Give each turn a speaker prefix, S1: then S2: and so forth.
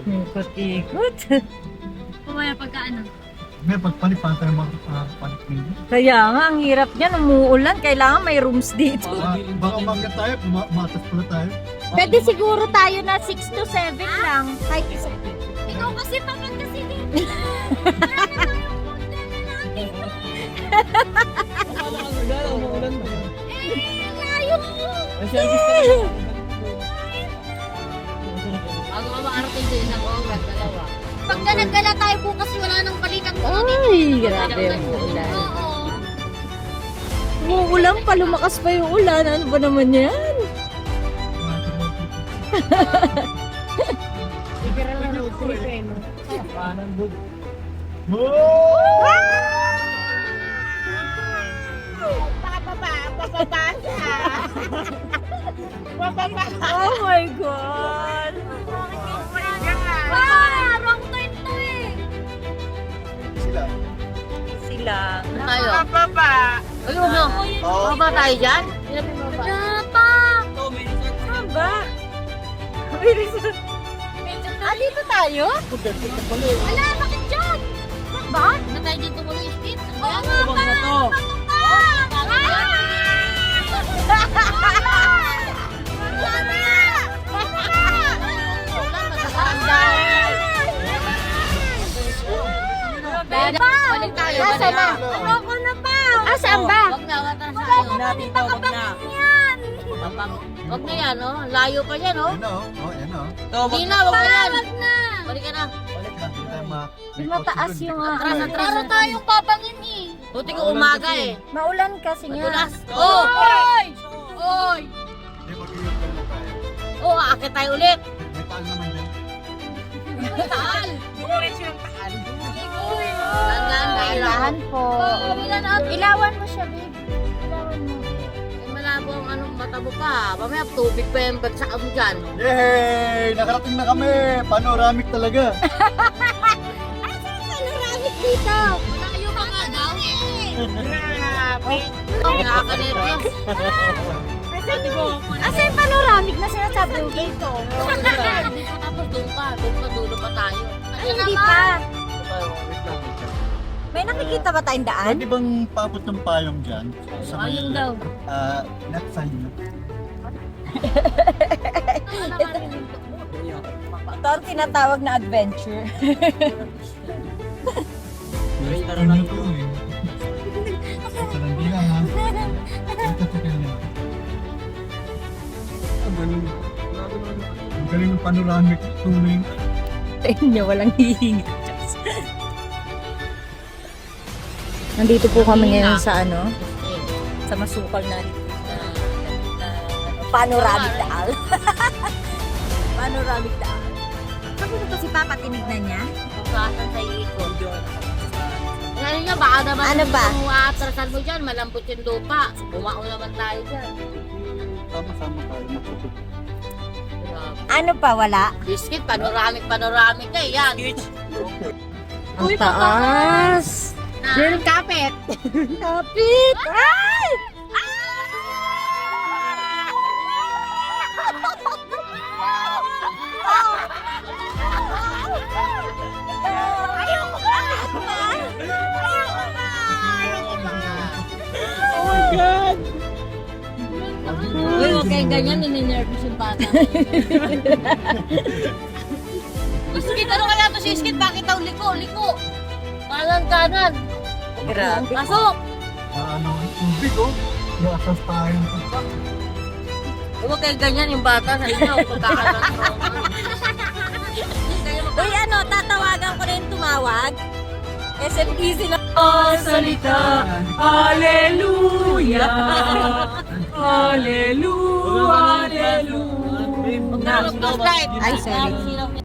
S1: Ikot-ikot.
S2: Kumaya pagka ano.
S3: May pagpalipan tayo magpalit ninyo.
S1: Kaya nga, ang hirap niyan. Umuulan. Kailangan may rooms dito.
S3: Baka umakyat tayo, matas pala tayo.
S1: Pwede siguro tayo na 6 to 7 lang. Kahit isa.
S2: Ikaw kasi pagkat kasi dito. Marami tayong punta na natin. Layo!
S4: Bago ka makarating din sa Congress, dalawa.
S2: Pagka naggala tayo bukas, wala nang balikan ko.
S1: Ay, grabe ang ulan.
S2: Oo.
S1: Umuulan pa, lumakas pa yung ulan. Ano ba naman yan? Oh my God!
S2: Wrong turn to eh.
S3: Sila.
S1: Sila.
S4: Tayo. Ayun no. Baba tayo dyan.
S2: Wala pa.
S1: Saan ba? May resort. Dito tayo?
S2: Wala, bakit dyan? Ba?
S4: Na tayo dito muli, Steve.
S2: Oo nga ba?
S4: Balik tayo.
S1: Nasaan na?
S2: Ayoko na pa.
S1: Saan ba?
S4: Wag na, wag na tayo.
S2: Wag yan.
S4: Wag na yan, oh. Layo pa yan, oh.
S3: Yan o. Oh, yan o.
S4: Hindi na, wag na yan.
S2: Wag na.
S4: Balik ka na.
S3: Balik natin tayo
S1: Mataas yung
S4: Atras, atras.
S2: Para tayong papangin eh.
S4: Buti ko umaga eh.
S1: Maulan kasi nga.
S4: Madulas. Oh!
S2: Oy!
S4: Oy!
S3: Hindi, mag-iingat na tayo.
S4: Oh, aakit tayo ulit.
S3: May taal naman dyan.
S4: Taal.
S2: Uy!
S4: Tandaan,
S1: Kailangan po. Ilawan mo siya, babe. Ilawan mo.
S4: Malabo ang anong mata mo pa. Mamaya tubig pa yung bagsak mo dyan.
S3: Yay! Nakarating na kami! Panoramic talaga.
S1: Panoramic dito.
S2: Malayo pa nga daw eh.
S4: Oh, nakakanervyos.
S1: Asa yung panoramic na sinasabi mo dito?
S4: Hindi pa tapos doon pa. Doon pa dulo pa tayo.
S1: Ay, hindi pa. May nakikita ba tayong daan?
S3: Pwede bang paabot ng payong dyan? Sa may,
S4: Ayun daw.
S3: net sign nyo.
S1: Ito ang tinatawag na adventure.
S3: Ano nyo to eh. Sa landilan ha. Ito sa kanya. Ang galing ng panoramic tuwing.
S1: Tingnan niyo, walang hihinga. Nandito po kami ngayon sa ano, sa masukal na panoramic daan. Panoramic daan. Sabi ko si Papa, tinignan niya.
S4: Pagkasan sa ikot. Ngayon nga, baka naman
S1: Ano ba?
S4: kung aatrasan mo dyan, malambot yung lupa. Bumaon naman tayo dyan.
S3: Sama-sama tayo matutog.
S1: Ano pa, wala?
S4: Biscuit, panoramic eh, yan.
S1: Ang taas.
S4: Yung kapit.
S1: Kapit! Ay!
S4: Uy, huwag kayong ganyan, nininervous yung bata. Biscuit, ano kaya to si Biscuit? Bakit daw liko? Parang kanan.
S1: Grabe.
S4: Pasok!
S3: Ano, tubig oh. Yung atas tayo ng pagpak.
S4: Huwag kayong ganyan yung bata sa inyo. Pagkakaroon
S1: Uy, ano, tatawagan ko rin tumawag. SMEZ na. Oh, salita. Hallelujah. Hallelujah. Hallelujah.
S4: Flashlight.
S1: Ay, sorry.